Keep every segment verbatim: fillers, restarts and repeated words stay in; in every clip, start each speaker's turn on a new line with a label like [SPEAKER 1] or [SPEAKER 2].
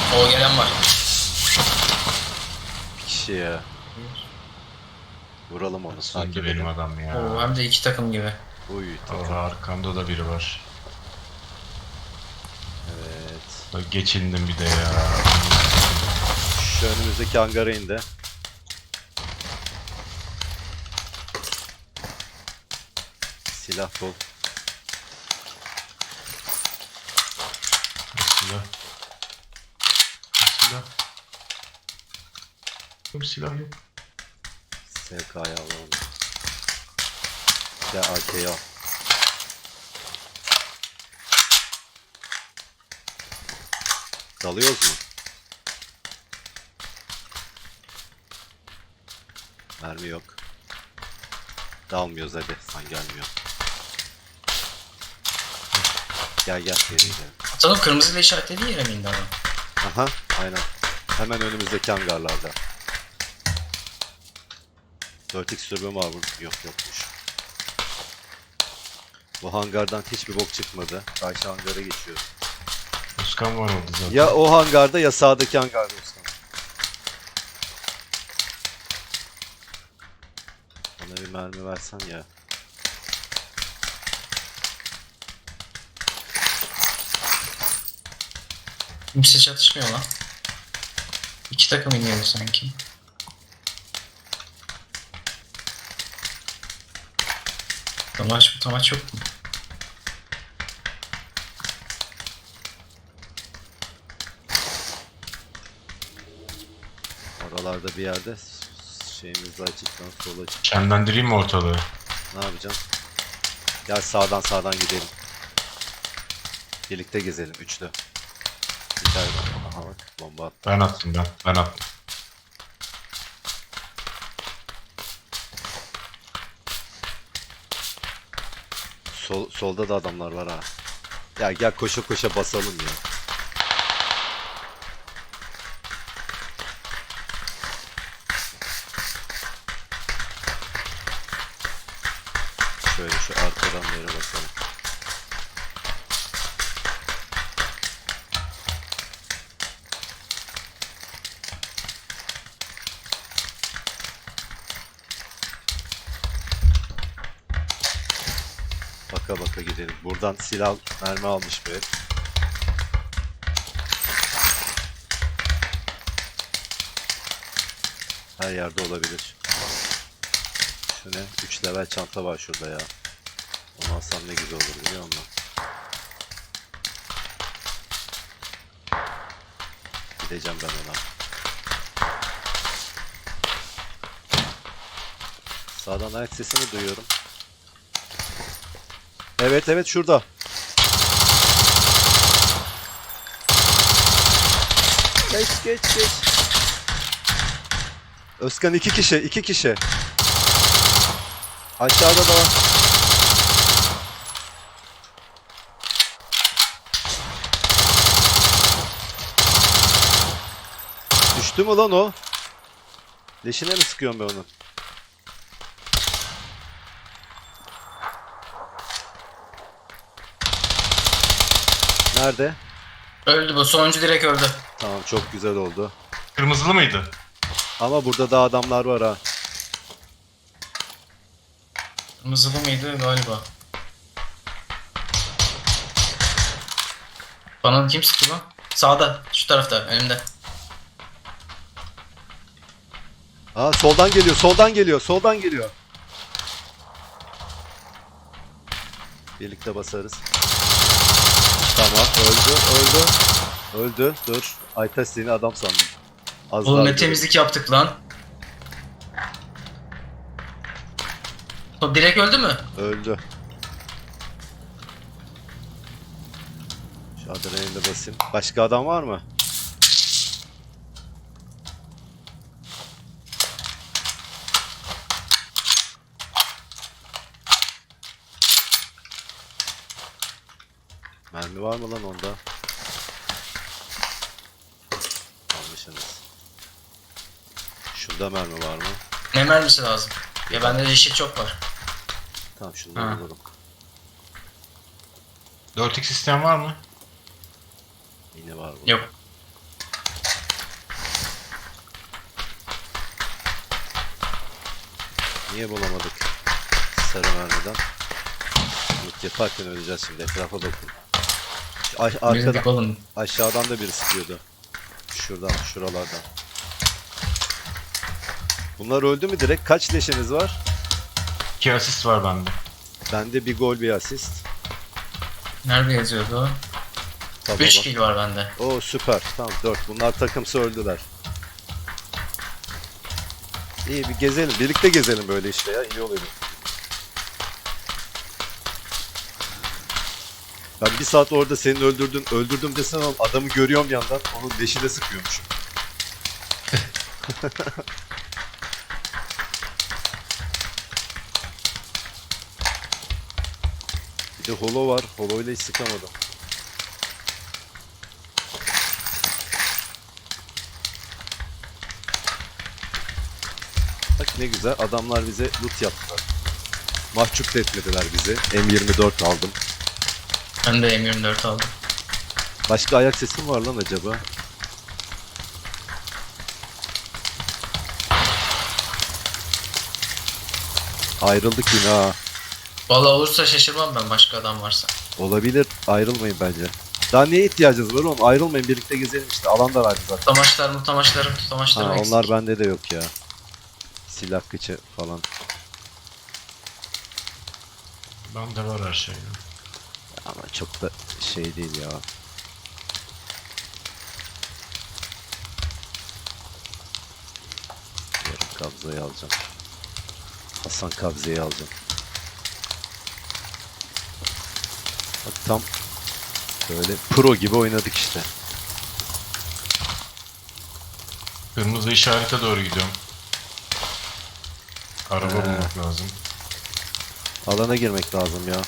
[SPEAKER 1] O gelen var.
[SPEAKER 2] Bir kişi ya. Vuralım onu
[SPEAKER 3] Sanki
[SPEAKER 2] sanki
[SPEAKER 3] benim
[SPEAKER 2] benim.
[SPEAKER 3] adam ya.
[SPEAKER 1] Oo, hem de iki takım gibi.
[SPEAKER 2] Uy takım.
[SPEAKER 3] Orada arkamda da biri var.
[SPEAKER 2] Evet.
[SPEAKER 3] Bak geçindim bir de ya.
[SPEAKER 2] Şu önümüzdeki hangara indi. Silah bol.
[SPEAKER 3] Silah. Silah. Yok silah yok.
[SPEAKER 2] S K'yı alalım. Ya A K'yı al. Dalıyoruz mu? Mermi yok. Dalmıyoruz hadi. Sen gelmiyor. Gel gel. Geri gel.
[SPEAKER 1] Atalım, kırmızıyla işaretlediği yere mi indi adam?
[SPEAKER 2] Aha aynen. Hemen önümüzdeki hangarlarda. dört x türbüm var bu. Yok yokmuş. Bu hangardan hiçbir bok çıkmadı. Karşı hangara geçiyoruz.
[SPEAKER 3] Özkan var orada zaten.
[SPEAKER 2] Ya o hangarda ya sağdaki hangarda ustam. Bana bir mermi versen ya.
[SPEAKER 1] Kimse çatışmıyor lan. İki takım iniyor sanki. Tamaç bu tamaç yok mu?
[SPEAKER 2] Oralarda bir yerde şeyimiz açıktan sola çık.
[SPEAKER 3] Şenlendireyim mi ortalığı?
[SPEAKER 2] Ne yapacağım? Gel sağdan sağdan gidelim. Birlikte gezelim üçlü. Bir tane aha bak bomba attı.
[SPEAKER 3] Ben attım ben. Ben attım.
[SPEAKER 2] Sol, solda da adamlar var ha. Ya gel koşa koşa basalım ya. Şöyle şu arkadan bir yere basalım. Baka baka gidelim. Buradan silah mermi almış bir herif. Her yerde olabilir. Şu ne? üç level çanta var şurada ya. Onu alsam ne güzel olur biliyor musun? Gideceğim ben ona. Sağdan ayak sesini duyuyorum. Evet evet şurada. Geç geç geç. Özkan iki kişi iki kişi. Aşağıda da var. Düştü mü lan o? Leşine mi sıkıyorum ben onu? Nerede?
[SPEAKER 1] Öldü bu. Sonuncu direkt öldü.
[SPEAKER 2] Tamam çok güzel oldu.
[SPEAKER 3] Kırmızılı mıydı?
[SPEAKER 2] Ama burada da adamlar var ha.
[SPEAKER 1] Kırmızılı mıydı galiba? Bana kim sıktı lan? Sağda. Şu tarafta. Önümde.
[SPEAKER 2] Aa soldan geliyor, soldan geliyor, soldan geliyor. Birlikte basarız. Tamam, öldü, öldü. Öldü, dur. Aytaş seni adam sandım. Az
[SPEAKER 1] Oğlum
[SPEAKER 2] daha
[SPEAKER 1] ne
[SPEAKER 2] öldü.
[SPEAKER 1] temizlik yaptık lan. O direkt öldü mü?
[SPEAKER 2] Öldü. Şu adrenalini basayım. Başka adam var mı? Mermi var mı lan onda? Almışsınız. Şunda mermi var mı?
[SPEAKER 1] Ne mermisi lazım? Ya bende de yeşil çok var.
[SPEAKER 2] Tamam şundan
[SPEAKER 1] Ha.
[SPEAKER 2] bulurum.
[SPEAKER 3] dört x isteyen var mı?
[SPEAKER 2] Yine var bu.
[SPEAKER 1] Yok.
[SPEAKER 2] Niye bulamadık? Sarı mermiden. Loot yaparken öleceğiz şimdi. Etrafa bakın. A-
[SPEAKER 1] Bir
[SPEAKER 2] arkada,
[SPEAKER 1] dedik oğlum.
[SPEAKER 2] aşağıdan da biri sıkıyordu. Şuradan, şuralardan. Bunlar öldü mü direkt? Kaç leşiniz var?
[SPEAKER 3] İki asist var bende.
[SPEAKER 2] Bende bir gol, bir asist.
[SPEAKER 1] Nerede yazıyordu o?
[SPEAKER 2] Tamam.
[SPEAKER 1] üç kill var bende.
[SPEAKER 2] Oo süper. Tamam dört. Bunlar takımsı öldüler. İyi bir gezelim. Birlikte gezelim böyle işte ya. İyi oluyor. Ben bir saat orada senin öldürdün, öldürdüm desem ama adamı görüyorum yandan. Onun leşine sıkıyormuşum. Bir de holo var. Holo ile hiç sıkamadım. Bak ne güzel. Adamlar bize loot yaptılar. Mahcup da etmediler bizi. M yirmi dört aldım.
[SPEAKER 1] Ben de M yirmi dört aldım.
[SPEAKER 2] Başka ayak sesi mi var lan acaba? Ayrıldık yine ha.
[SPEAKER 1] Valla olursa şaşırmam ben başka adam varsa.
[SPEAKER 2] Olabilir. Ayrılmayın bence. Daha neye ihtiyacınız var oğlum? Ayrılmayın. Birlikte gezelim işte. Alan da verdi zaten.
[SPEAKER 1] Tutamaçlar mutamaçlarım tutamaçlarım
[SPEAKER 2] Ha,
[SPEAKER 1] eksik.
[SPEAKER 2] onlar bende de yok ya. Silah kıçı falan.
[SPEAKER 3] Bende var her şey.
[SPEAKER 2] Ama çok da şey değil ya. Yarım kabzayı alacağım. Hasan kabzeyi alacağım. Bak tam böyle pro gibi oynadık işte.
[SPEAKER 3] Kırmızı işarete doğru gidiyorum. Araba
[SPEAKER 2] He.
[SPEAKER 3] bulmak lazım.
[SPEAKER 2] Alana girmek lazım ya.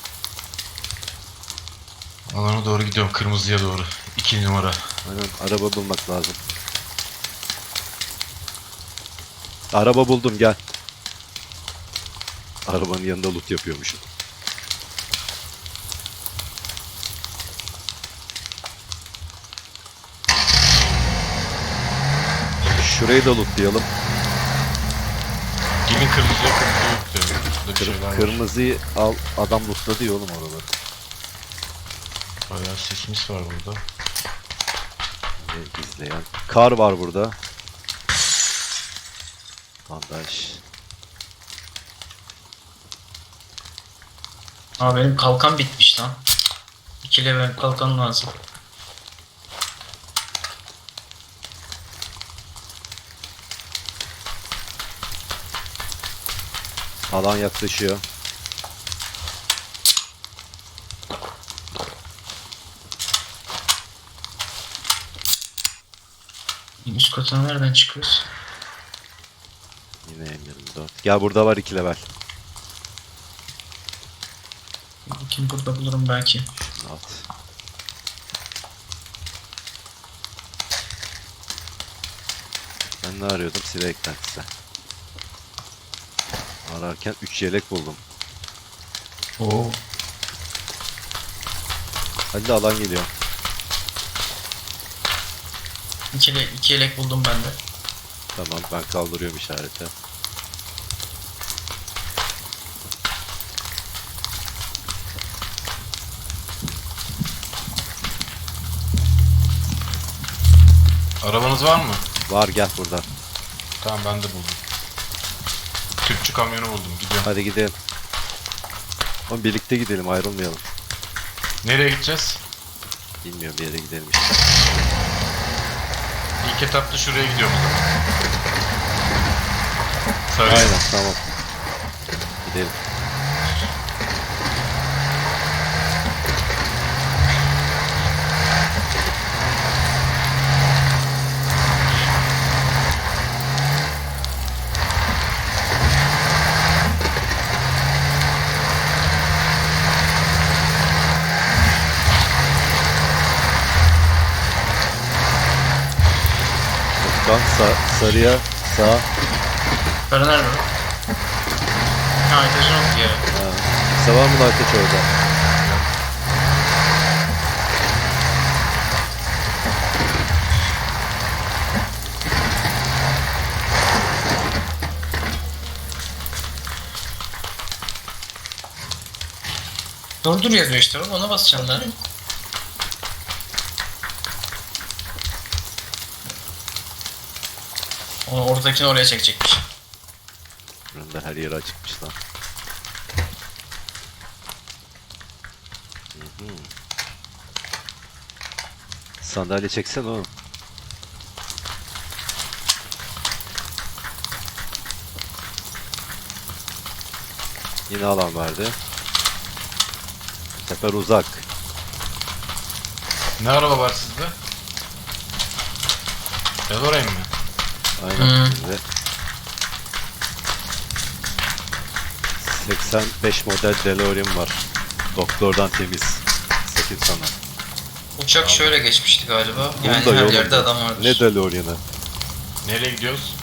[SPEAKER 3] Alana doğru gidiyorum. Kırmızıya doğru. İki numara.
[SPEAKER 2] Aynen araba bulmak lazım. Araba buldum gel. Arabanın yanında loot yapıyormuşum. Şurayı da lootlayalım.
[SPEAKER 3] Gelin kırmızıya kırmızı yok diyor. Burada bir
[SPEAKER 2] Kır-
[SPEAKER 3] şeyler var.
[SPEAKER 2] kırmızıyı al, adam lootladı ya oğlum oraları.
[SPEAKER 3] Bayağı sismis var burada.
[SPEAKER 2] Ne izleyen. Kar var burada. Bandaj.
[SPEAKER 1] Aa benim kalkan bitmiş lan. İki level kalkan lazım.
[SPEAKER 2] Alan yaklaşıyor.
[SPEAKER 1] Üst kata nereden çıkıyoruz?
[SPEAKER 2] Yine M yirmi dört. Gel burada var iki level.
[SPEAKER 1] Kim burada bulurum belki.
[SPEAKER 2] Şunu at. Ben ne arıyordum? Silah eklentisi. Ararken üç yelek buldum.
[SPEAKER 1] Oo.
[SPEAKER 2] Hadi alan geliyor.
[SPEAKER 1] İki, le- iki yelek buldum ben de.
[SPEAKER 2] Tamam ben kaldırıyorum işareti.
[SPEAKER 3] Arabanız var mı?
[SPEAKER 2] Var gel burada.
[SPEAKER 3] Tamam ben de buldum. Tüpçü kamyonu buldum. Gidiyorum.
[SPEAKER 2] Hadi gidelim. Ama birlikte gidelim ayrılmayalım.
[SPEAKER 3] Nereye gideceğiz?
[SPEAKER 2] Bilmiyorum bir yere gidelim işte.
[SPEAKER 3] İlk etapta şuraya gidiyorum o zaman. Sarıya.
[SPEAKER 2] Aynen tamam. Gidelim. Bak sa- sarıya sağ.
[SPEAKER 1] Para nerede? Ha etajın yok yere.
[SPEAKER 2] Ha. Kimse var mı lan ateş orada?
[SPEAKER 1] Durdur yazıyor işte oğlum, ona basacaksın da. Onu oradakini oraya çekecekmiş.
[SPEAKER 2] Önder her yeri açıkmış lan. Hı hı. Sandalye çeksen oğlum. Yine alan verdi. Bu sefer uzak.
[SPEAKER 3] Ne araba var sizde? DeLorean mi?
[SPEAKER 2] Aynen.
[SPEAKER 1] Hmm.
[SPEAKER 2] Şimdi seksen beş model DeLorean var. Doktordan temiz. Sakın sana.
[SPEAKER 1] Uçak şöyle geçmişti galiba. Yani
[SPEAKER 2] Bunda
[SPEAKER 1] her
[SPEAKER 2] yolunda.
[SPEAKER 1] yerde adam vardır.
[SPEAKER 2] Ne DeLorean'ı?
[SPEAKER 3] Nereye gidiyoruz?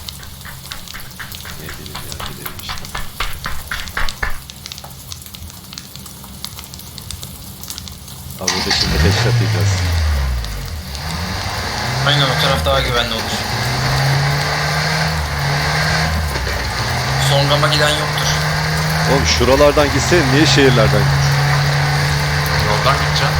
[SPEAKER 2] Ne bileyim ya, gidelim işte. Ha burada şimdi headshot yiyeceğiz.
[SPEAKER 1] Aynen, o taraf daha güvenli olur. Son gama giden yoktur.
[SPEAKER 2] Oğlum şuralardan gitsen niye şehirlerden?
[SPEAKER 3] Yoldan gideceğim.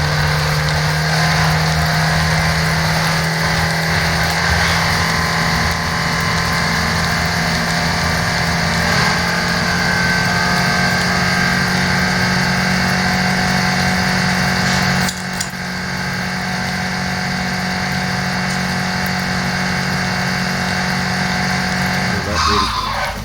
[SPEAKER 2] Buradan Erik.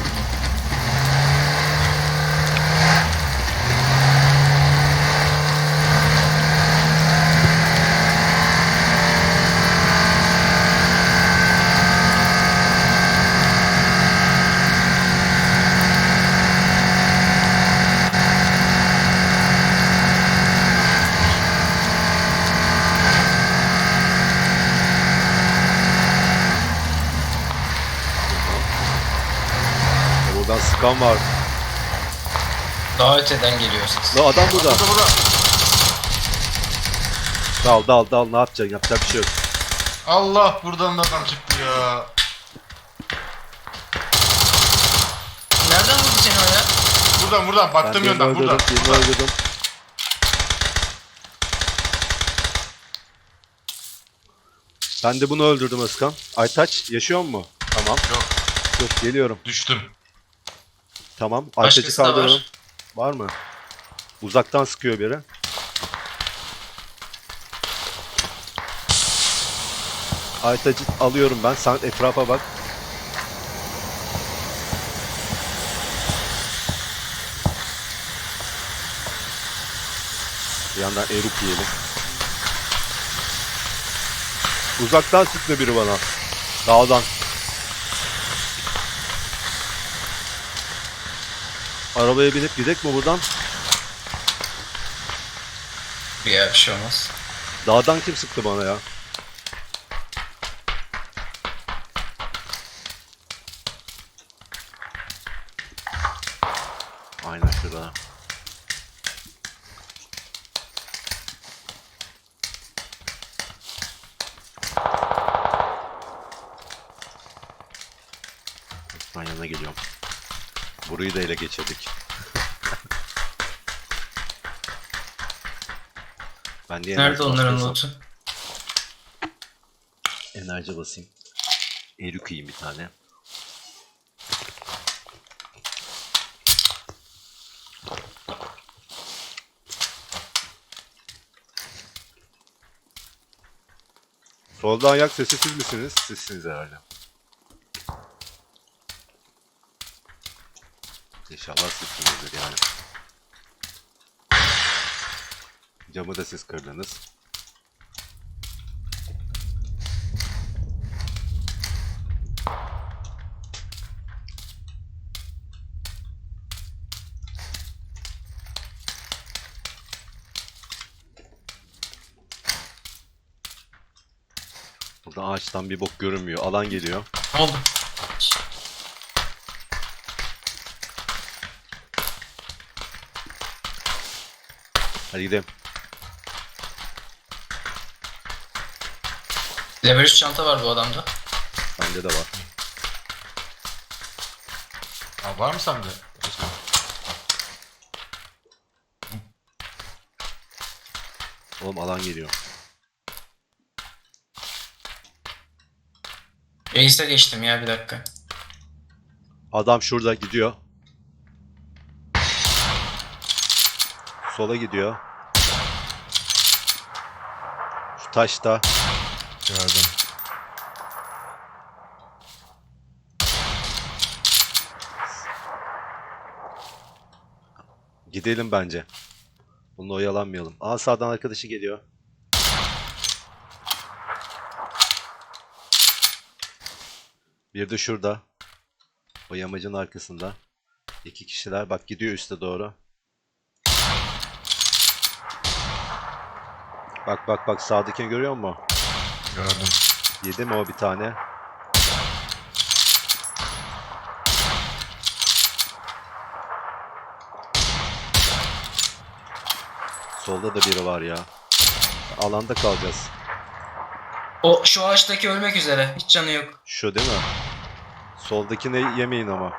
[SPEAKER 2] Buradan sıkan var.
[SPEAKER 1] Daha öteden geliyor ses.
[SPEAKER 2] La adam burada.
[SPEAKER 3] Burada burada.
[SPEAKER 2] Dal dal dal, ne yapacaksın? Yapacak bir şey yok.
[SPEAKER 3] Allah, buradan da adam çıktı ya.
[SPEAKER 1] Nereden vurdu seni o ya?
[SPEAKER 3] Buradan buradan baktığım
[SPEAKER 2] Ben birini
[SPEAKER 3] yönden buradan.
[SPEAKER 2] öldürdüm, birini
[SPEAKER 3] buradan.
[SPEAKER 2] öldürdüm. Ben de bunu öldürdüm Özkan. Aytaç yaşıyor mu? Tamam.
[SPEAKER 3] Yok,
[SPEAKER 2] Dur geliyorum.
[SPEAKER 3] düştüm.
[SPEAKER 2] Tamam. Aytaç'ı
[SPEAKER 1] Başkası da var.
[SPEAKER 2] kaldıralım. Var mı? Uzaktan sıkıyor biri. Aytaç'ı alıyorum ben. Sen etrafa bak. Bir yandan eruk yiyelim. Uzaktan sıktı biri bana. Dağdan. Arabaya binip gidek mi buradan?
[SPEAKER 1] Ya bir şey olmaz.
[SPEAKER 2] Dağdan kim sıktı bana ya? Aynen şurada. Ben yanına geliyorum. Burayı da ele geçirdik. Ben de
[SPEAKER 1] Nerede
[SPEAKER 2] enerji
[SPEAKER 1] onların
[SPEAKER 2] basıyorsam-
[SPEAKER 1] lootu?
[SPEAKER 2] Enerji basayım. Erik yiyeyim bir tane. Solda ayak sesi siz misiniz? Sizsiniz herhalde. İnşallah sizsinizdir yani. Camı da siz kırdınız. Burada ağaçtan bir bok görünmüyor. Alan geliyor.
[SPEAKER 1] Ne oldu?
[SPEAKER 2] Hadi gidelim.
[SPEAKER 1] Level üç çanta var bu adamda.
[SPEAKER 2] Bende de var.
[SPEAKER 3] Aa, var mı sende? Özkan?
[SPEAKER 2] Oğlum alan geliyor.
[SPEAKER 1] Reis'e geçtim ya bir dakika.
[SPEAKER 2] Adam şurada gidiyor. Sola gidiyor. Şu taşta.
[SPEAKER 3] Gördüm.
[SPEAKER 2] Gidelim bence. Bununla oyalanmayalım. Aa sağdan arkadaşı geliyor. Bir de şurada. O yamacın arkasında. İki kişiler. Bak gidiyor üste doğru. Bak bak bak sağdakini görüyor musun?
[SPEAKER 3] Gördüm.
[SPEAKER 2] Yedi mi o bir tane? Solda da biri var ya. Alanda kalacağız.
[SPEAKER 1] O şu ağaçtaki ölmek üzere. Hiç canı yok.
[SPEAKER 2] Şu değil mi? Soldakini yemeyin ama.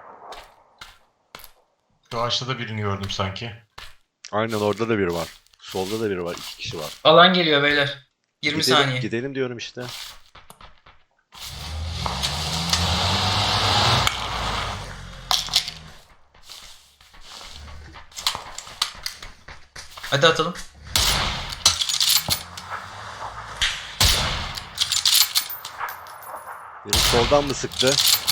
[SPEAKER 3] Şu ağaçta da birini gördüm sanki.
[SPEAKER 2] Aynen orada da biri var. Solda da biri var. İki kişi var.
[SPEAKER 1] Alan geliyor beyler. yirmi
[SPEAKER 2] Gidelim,
[SPEAKER 1] saniye.
[SPEAKER 2] gidelim diyorum işte.
[SPEAKER 1] Hadi atalım.
[SPEAKER 2] Biri soldan mı sıktı?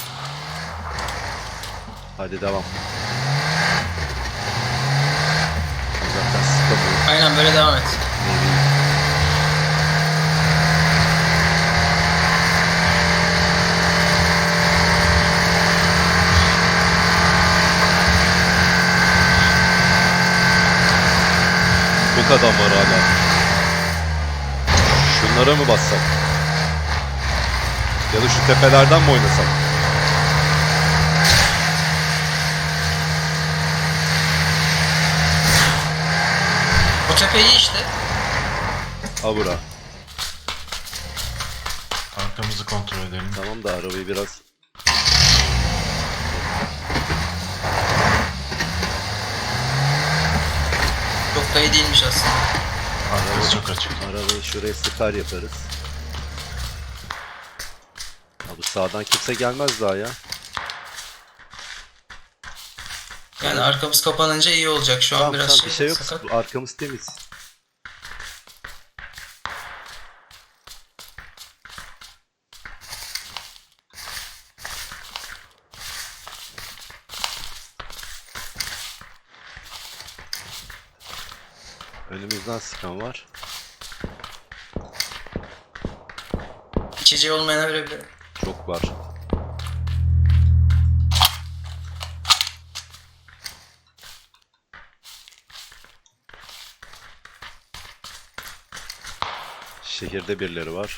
[SPEAKER 2] Hadi devam. Uzaktan sıkamıyorum.
[SPEAKER 1] Aynen böyle devam et.
[SPEAKER 2] Maybe. Çok adam var hala. Şunlara mı bassak? Ya da şu tepelerden mi oynasak?
[SPEAKER 1] O tepe iyi işte.
[SPEAKER 2] Ha bura.
[SPEAKER 3] Arkamızı kontrol edelim.
[SPEAKER 2] Tamam da arabayı biraz...
[SPEAKER 1] Çok da iyi değilmiş aslında.
[SPEAKER 3] Arkası çok açık.
[SPEAKER 2] Arabayı şuraya sıkar yaparız. Ha bu sağdan kimse gelmez daha ya.
[SPEAKER 1] Yani arkamız kapanınca iyi olacak. Şu an
[SPEAKER 2] Tamam
[SPEAKER 1] biraz
[SPEAKER 2] tamam
[SPEAKER 1] şey,
[SPEAKER 2] bir şey yok.
[SPEAKER 1] sakat.
[SPEAKER 2] Bu arkamız temiz. Önümüzden sıkan var.
[SPEAKER 1] İçeceği olmayana verebilirim.
[SPEAKER 2] Çok var. Şehirde birileri var.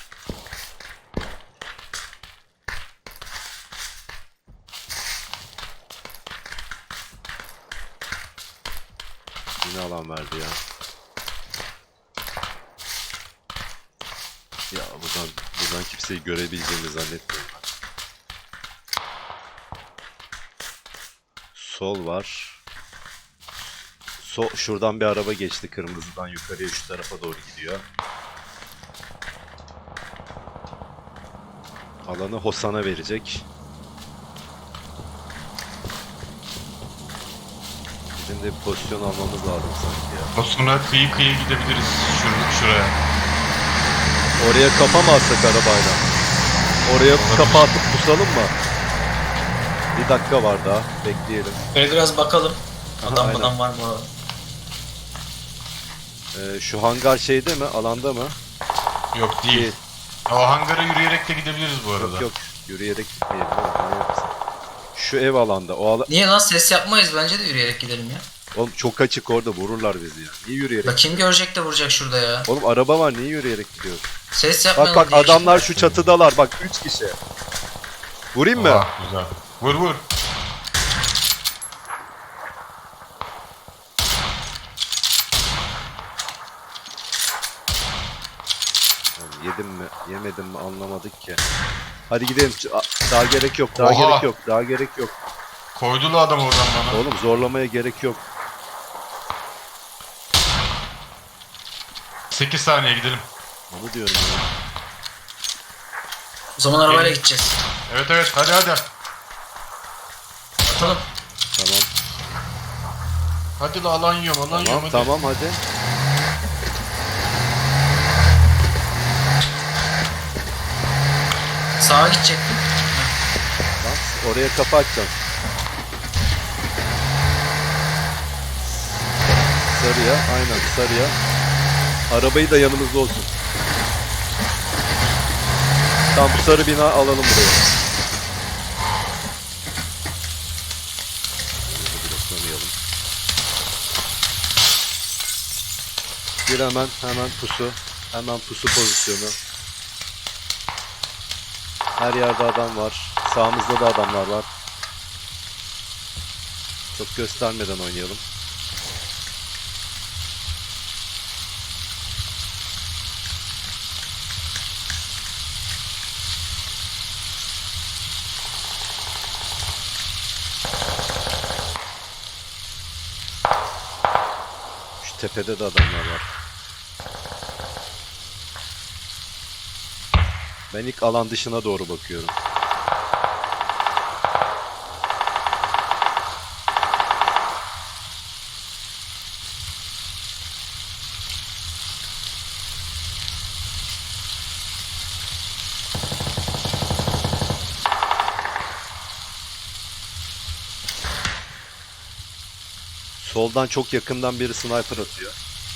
[SPEAKER 2] Yine alan verdi ya. Ya buradan buradan kimseyi görebileceğimi zannetmiyorum ben. Sol var. Sol şuradan bir araba geçti kırmızıdan yukarıya şu tarafa doğru gidiyor. Alanı Hosan'a verecek. Bizim de bir pozisyon almamız lazım sanki ya.
[SPEAKER 3] O sonra kıyı kıyı gidebiliriz şur şuraya.
[SPEAKER 2] Oraya kafa mı atsak arabayla? Oraya kafa atıp pusalım mı? Bir dakika var daha. Bekleyelim.
[SPEAKER 1] Böyle biraz bakalım.
[SPEAKER 2] Aha,
[SPEAKER 1] Adam
[SPEAKER 2] aynen.
[SPEAKER 1] adam var bu arada.
[SPEAKER 2] Ee, şu hangar şeyde mi? Alanda mı?
[SPEAKER 3] Yok değil.
[SPEAKER 2] Değil.
[SPEAKER 3] O hangara yürüyerek de gidebiliriz bu arada.
[SPEAKER 2] Yok yok. Yürüyerek gitmeyelim. değil mi? Manyak mısın? Şu ev alanda. O ala...
[SPEAKER 1] Niye lan ses yapmayız, bence de yürüyerek gidelim ya.
[SPEAKER 2] Oğlum çok açık orada vururlar bizi ya. Niye yürüyerek?
[SPEAKER 1] Bak kim görecek de vuracak şurada ya.
[SPEAKER 2] Oğlum araba var niye yürüyerek gidiyoruz?
[SPEAKER 1] Ses
[SPEAKER 2] Bak
[SPEAKER 1] yapmayalım
[SPEAKER 2] bak
[SPEAKER 1] diye
[SPEAKER 2] adamlar
[SPEAKER 1] işte.
[SPEAKER 2] şu çatıdalar. Bak üç kişi. Vurayım mı?
[SPEAKER 3] Oha, güzel. Vur vur.
[SPEAKER 2] Oğlum, yedim mi? Yemedim mi? Anlamadık ki. Hadi gidelim. Ç- a- Daha gerek yok. Daha
[SPEAKER 3] Oha!
[SPEAKER 2] gerek yok. Daha gerek yok.
[SPEAKER 3] Koydulu adam oradan bana.
[SPEAKER 2] Oğlum zorlamaya gerek yok.
[SPEAKER 3] sekiz saniye gidelim.
[SPEAKER 2] Onu diyorum ya.
[SPEAKER 1] O zaman arabayla
[SPEAKER 3] Gelin.
[SPEAKER 1] gideceğiz.
[SPEAKER 3] Evet evet hadi hadi.
[SPEAKER 1] Atalım.
[SPEAKER 2] Tamam.
[SPEAKER 3] Hadi la alan yiyorum alan
[SPEAKER 2] Tamam
[SPEAKER 3] yiyorum hadi.
[SPEAKER 2] tamam hadi.
[SPEAKER 1] Sağa gidecektim.
[SPEAKER 2] Bak oraya kapı açacağım. Sarıya aynen sarıya. Arabayı da yanımızda olsun. Tamam bu sarı bina alalım buraya. Bloklamayalım. Bir hemen hemen pusu. Hemen pusu pozisyonu. Her yerde adam var. Sağımızda da adamlar var. Çok göstermeden oynayalım. Şu tepede de adamlar var. Ben ilk alan dışına doğru bakıyorum. Soldan çok yakından biri sniper atıyor.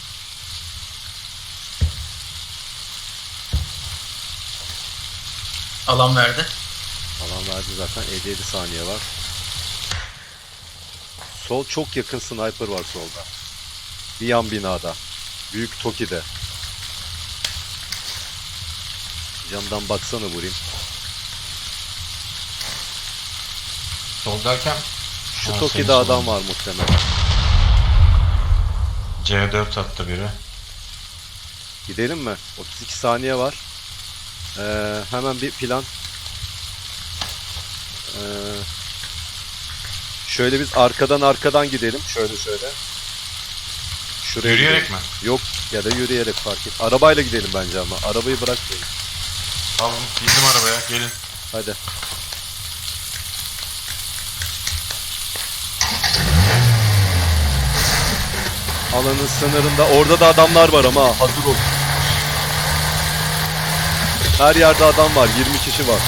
[SPEAKER 1] Alan verdi.
[SPEAKER 2] Alan verdi zaten. elli yedi saniye var. Sol çok yakın sniper var solda. Bir yan binada. Büyük Toki'de. Camdan baksana vurayım.
[SPEAKER 3] Sol derken
[SPEAKER 2] Şu
[SPEAKER 3] Ha,
[SPEAKER 2] Toki'de
[SPEAKER 3] senin
[SPEAKER 2] adam
[SPEAKER 3] solun.
[SPEAKER 2] var muhtemelen.
[SPEAKER 3] C dört attı biri.
[SPEAKER 2] Gidelim mi? otuz iki saniye var. Ee, hemen bir plan. Ee, şöyle biz arkadan arkadan gidelim. Şöyle şöyle. Şuraya
[SPEAKER 3] Yürüyerek
[SPEAKER 2] gidelim.
[SPEAKER 3] mi?
[SPEAKER 2] Yok ya da yürüyerek fark et. Arabayla gidelim bence ama. Arabayı bırakmayın.
[SPEAKER 3] Tamam bindim arabaya gelin.
[SPEAKER 2] Hadi. Alanın sınırında. Orada da adamlar var ama ha, hazır ol. Her yerde adam var. yirmi kişi var.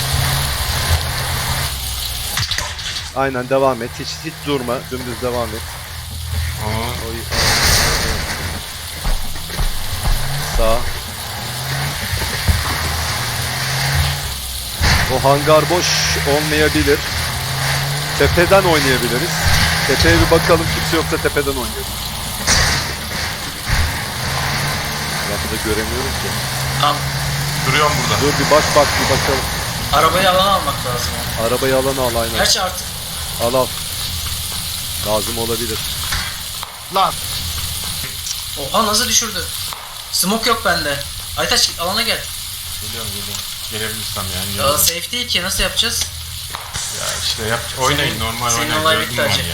[SPEAKER 2] Aynen devam et. Hiç hiç durma. Dümdüz devam et.
[SPEAKER 3] Aa,
[SPEAKER 2] Oy. Sağ. O hangar boş olmayabilir. Tepeden oynayabiliriz. Tepeye bir bakalım, kimse yoksa tepeden oynayalım. Ben burada göremiyorum ki.
[SPEAKER 1] Tamam.
[SPEAKER 3] duruyorum burada.
[SPEAKER 2] Dur bir bak bak bir bakalım.
[SPEAKER 1] Arabayı alana almak lazım. ama.
[SPEAKER 2] Arabayı alana al aynen.
[SPEAKER 1] Gerçi artık
[SPEAKER 2] Al al. Lazım olabilir.
[SPEAKER 3] Lan.
[SPEAKER 1] oha nasıl düşürdü? Smoke yok bende. Aytaç alana gel.
[SPEAKER 3] Geliyorum geliyorum. Gelebilirsem yani.
[SPEAKER 1] Ya
[SPEAKER 3] geliyorum.
[SPEAKER 1] safe değil ki nasıl yapacağız?
[SPEAKER 3] Ya işte yap oynayın
[SPEAKER 1] Senin-
[SPEAKER 3] normal
[SPEAKER 1] senin
[SPEAKER 3] oynayın.
[SPEAKER 1] olay
[SPEAKER 3] Gördüm
[SPEAKER 1] bitti
[SPEAKER 3] ben
[SPEAKER 1] hacı.
[SPEAKER 3] ya.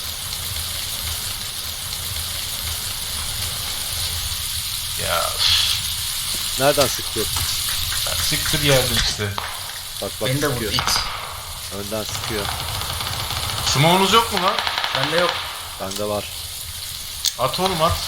[SPEAKER 3] Ya üf,
[SPEAKER 2] Nereden sıkıyor?
[SPEAKER 3] ya siktir yerde işte.
[SPEAKER 2] Bak bak
[SPEAKER 1] Beni de vurdu
[SPEAKER 2] sıkıyor.
[SPEAKER 1] it.
[SPEAKER 2] Önden sıkıyor.
[SPEAKER 3] Smoke'unuz yok mu lan?
[SPEAKER 1] Bende yok.
[SPEAKER 2] Bende var.
[SPEAKER 3] At oğlum at.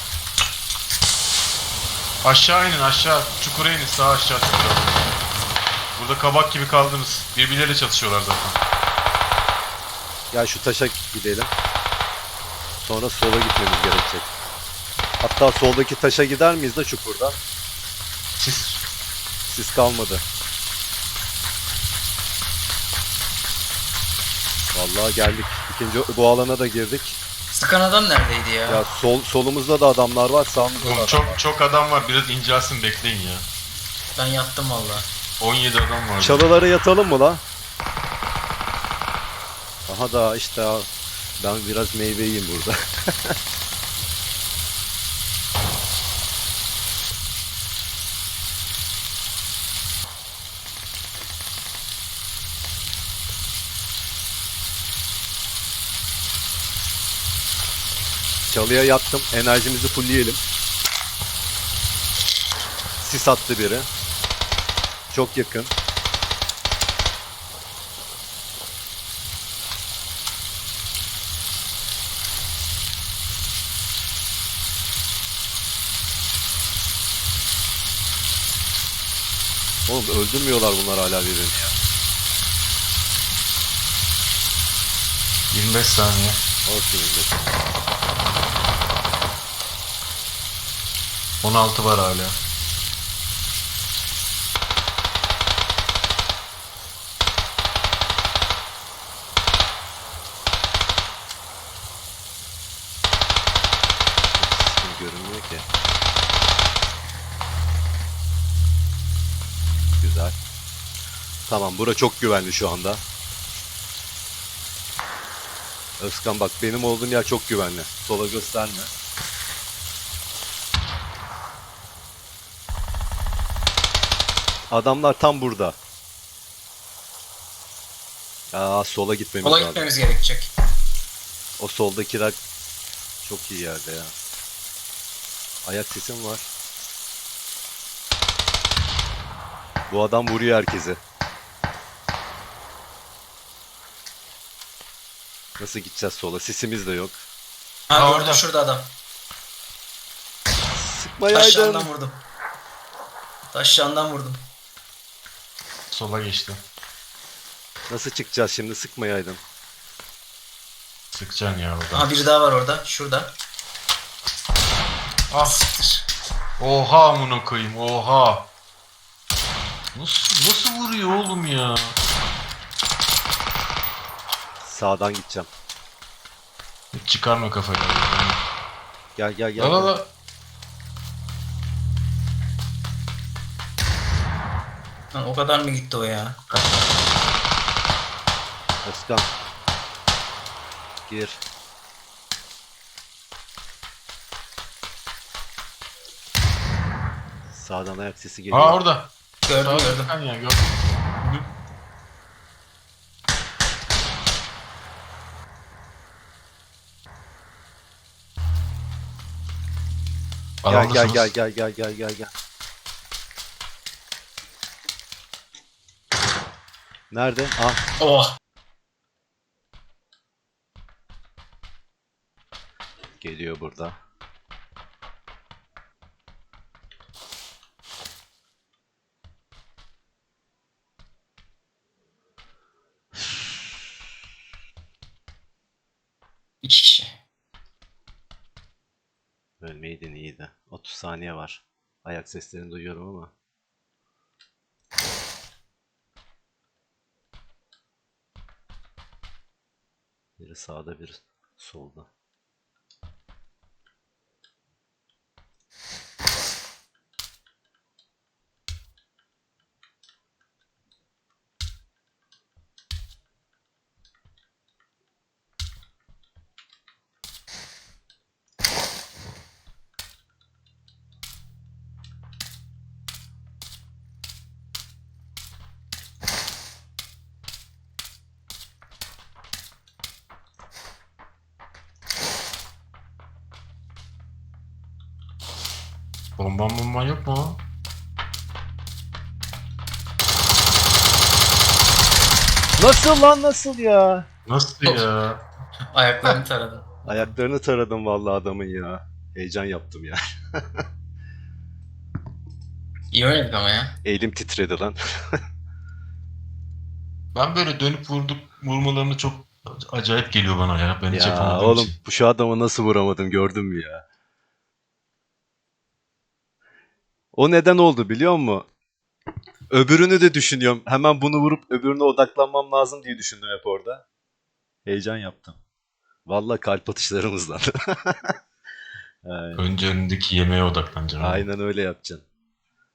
[SPEAKER 3] Aşağı inin aşağı. Çukura inin sağ aşağı çukura. Burada kabak gibi kaldınız. Birbirleriyle çatışıyorlar zaten.
[SPEAKER 2] Gel şu taşa gidelim. Sonra sola gitmemiz gerekecek. Hatta soldaki taşa gider miyiz de çukurdan?
[SPEAKER 3] Siz
[SPEAKER 2] Sis kalmadı. Vallahi geldik. İkinci bu alana da girdik.
[SPEAKER 1] Sıkan adam neredeydi ya?
[SPEAKER 2] Ya sol solumuzda da adamlar var, sağımızda da
[SPEAKER 3] oğlum
[SPEAKER 2] adam
[SPEAKER 3] çok
[SPEAKER 2] var.
[SPEAKER 3] çok adam var. Biraz incelsin bekleyin ya.
[SPEAKER 1] Ben yattım valla.
[SPEAKER 3] on yedi adam var.
[SPEAKER 2] Çalılara yatalım mı la? Aha da işte ben biraz meyve yiyeyim burada. Çalıya yattım. Enerjimizi fullleyelim. sis attı biri. Çok yakın. Oğlum öldürmüyorlar bunlar hala birbirini ya.
[SPEAKER 3] yirmi beş saniye.
[SPEAKER 2] Olsun millet.
[SPEAKER 3] on altı var hala.
[SPEAKER 2] Sistem görünmüyor ki. Güzel. Tamam, bura çok güvenli şu anda. Özkan bak, benim olduğum yer çok güvenli. Sola gösterme. Adamlar tam burada. Aa, sola gitmemiz
[SPEAKER 1] Sola
[SPEAKER 2] lazım.
[SPEAKER 1] gitmemiz gerekecek.
[SPEAKER 2] O soldakiler çok iyi yerde ya. Ayak sesim var. Bu adam vuruyor herkesi. Nasıl gideceğiz sola? Sisimiz de yok.
[SPEAKER 1] Ha,
[SPEAKER 3] Ha,
[SPEAKER 1] gördüm,
[SPEAKER 3] orada.
[SPEAKER 1] şurada adam.
[SPEAKER 2] Sıkmayaydın.
[SPEAKER 1] Taşlarından vurdum. Taşlarından vurdum.
[SPEAKER 3] Sola geçti.
[SPEAKER 2] Nasıl çıkacağız şimdi? Sıkmayaydın.
[SPEAKER 3] Sıkacaksın ya oradan.
[SPEAKER 1] Aha, biri daha var orada. Şurada.
[SPEAKER 3] Ah.
[SPEAKER 1] Siktir.
[SPEAKER 3] Oha amına koyayım. Oha. Nasıl nasıl vuruyor oğlum ya?
[SPEAKER 2] Sağdan gideceğim.
[SPEAKER 3] Hiç çıkarma kafayı.
[SPEAKER 2] Gel gel gel.
[SPEAKER 3] La la
[SPEAKER 2] gel.
[SPEAKER 3] la.
[SPEAKER 1] Lan o kadar mı gitti o ya?
[SPEAKER 2] Özkan. Gir. Sağdan ayak sesi geliyor.
[SPEAKER 3] Aa orada.
[SPEAKER 1] Gördüm
[SPEAKER 3] Sağ
[SPEAKER 1] gördüm.
[SPEAKER 3] Sıkan ya gördüm. Hı.
[SPEAKER 2] Gel gel
[SPEAKER 3] Alandasınız.
[SPEAKER 2] gel gel gel gel gel gel. Nerede? Ah,
[SPEAKER 1] Oh.
[SPEAKER 2] geliyor burada.
[SPEAKER 1] İki kişi.
[SPEAKER 2] Ölmeydin iyiydi. otuz saniye var. Ayak seslerini duyuyorum ama. Biri sağda, biri solda.
[SPEAKER 3] Bomban bomban yok mu?
[SPEAKER 2] Nasıl lan, nasıl ya?
[SPEAKER 3] Nasıl ya?
[SPEAKER 1] Ayaklarını taradı.
[SPEAKER 2] Ayaklarını taradım vallahi adamın ya. Heyecan yaptım ya.
[SPEAKER 1] İyi oynadık ama ya.
[SPEAKER 2] Elim titredi lan.
[SPEAKER 3] Ben böyle dönüp vurduk vurmalarını çok acayip geliyor bana ya. Ben hiç
[SPEAKER 2] Ya
[SPEAKER 3] yapamadığım
[SPEAKER 2] oğlum,
[SPEAKER 3] için.
[SPEAKER 2] bu şu adamı nasıl vuramadım gördün mü ya? O neden oldu biliyor musun? Öbürünü de düşünüyorum. Hemen bunu vurup öbürüne odaklanmam lazım diye düşündüm hep orada. Heyecan yaptım. Vallahi kalp atışlarımızdan. Aynen.
[SPEAKER 3] Önce önündeki yemeğe odaklanacaksın.
[SPEAKER 2] Aynen öyle yapacaksın.